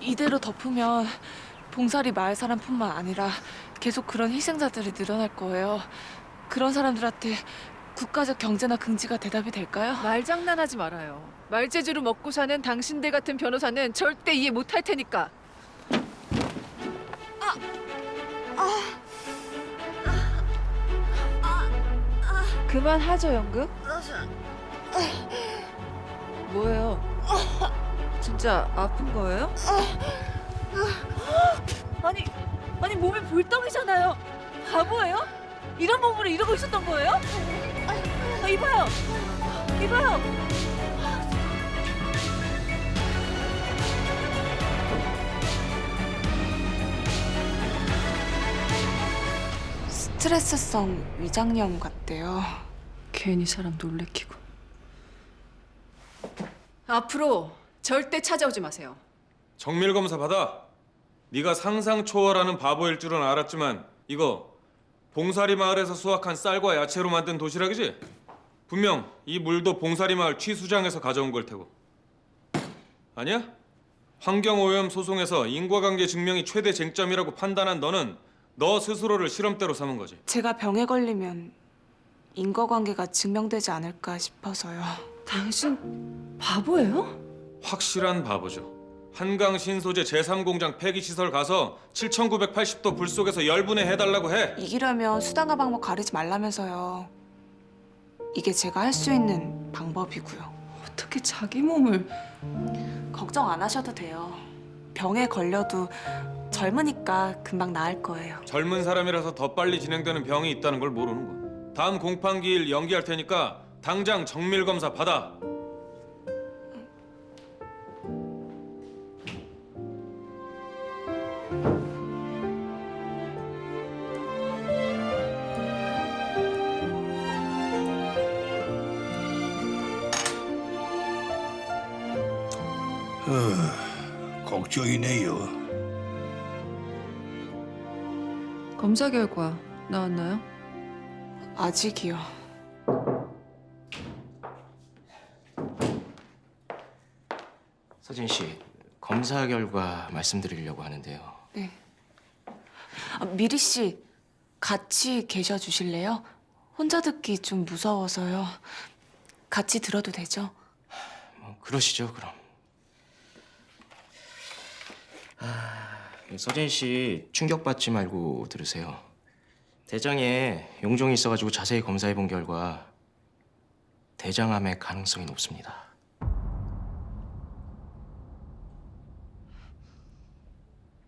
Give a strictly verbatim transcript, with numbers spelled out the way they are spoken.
이대로 덮으면 봉사리 마을 사람뿐만 아니라 계속 그런 희생자들이 늘어날 거예요. 그런 사람들한테 국가적 경제나 긍지가 대답이 될까요? 말장난하지 말아요. 말재주로 먹고 사는 당신들 같은 변호사는 절대 이해 못할 테니까. 그만하죠, 연극. 뭐예요? 진짜 아픈 거예요? 아니, 아니 몸이 볼덩이잖아요. 바보예요? 이런 몸으로 이러고 있었던 거예요? 아, 이봐요, 이봐요. 스트레스성 위장염 같대요. 괜히 사람 놀래키고. 앞으로 절대 찾아오지 마세요. 정밀 검사 받아. 네가 상상 초월하는 바보일 줄은 알았지만 이거 봉사리 마을에서 수확한 쌀과 야채로 만든 도시락이지? 분명 이 물도 봉사리 마을 취수장에서 가져온 걸 테고. 아니야? 환경오염 소송에서 인과관계 증명이 최대 쟁점이라고 판단한 너는 너 스스로를 실험대로 삼은 거지. 제가 병에 걸리면 인과관계가 증명되지 않을까 싶어서요. 당신 바보예요? 확실한 바보죠. 한강 신소재 제삼 공장 폐기시설 가서 칠천구백팔십 도 불 속에서 열분해 해달라고 해. 이기려면 수단과 방법 가리지 말라면서요. 이게 제가 할 수 있는 방법이고요. 어떻게 자기 몸을... 걱정 안 하셔도 돼요. 병에 걸려도 젊으니까 금방 나을 거예요. 젊은 사람이라서 더 빨리 진행되는 병이 있다는 걸 모르는 거야. 다음 공판기일 연기할 테니까 당장 정밀 검사 받아. 어, 걱정이네요. 검사 결과 나왔나요? 아직이요. 서진 씨, 검사 결과 말씀드리려고 하는데요. 네. 아, 미리 씨, 같이 계셔 주실래요? 혼자 듣기 좀 무서워서요. 같이 들어도 되죠? 뭐 그러시죠, 그럼. 아, 서진 씨 충격받지 말고 들으세요. 대장에 용종이 있어가지고 자세히 검사해 본 결과 대장암의 가능성이 높습니다.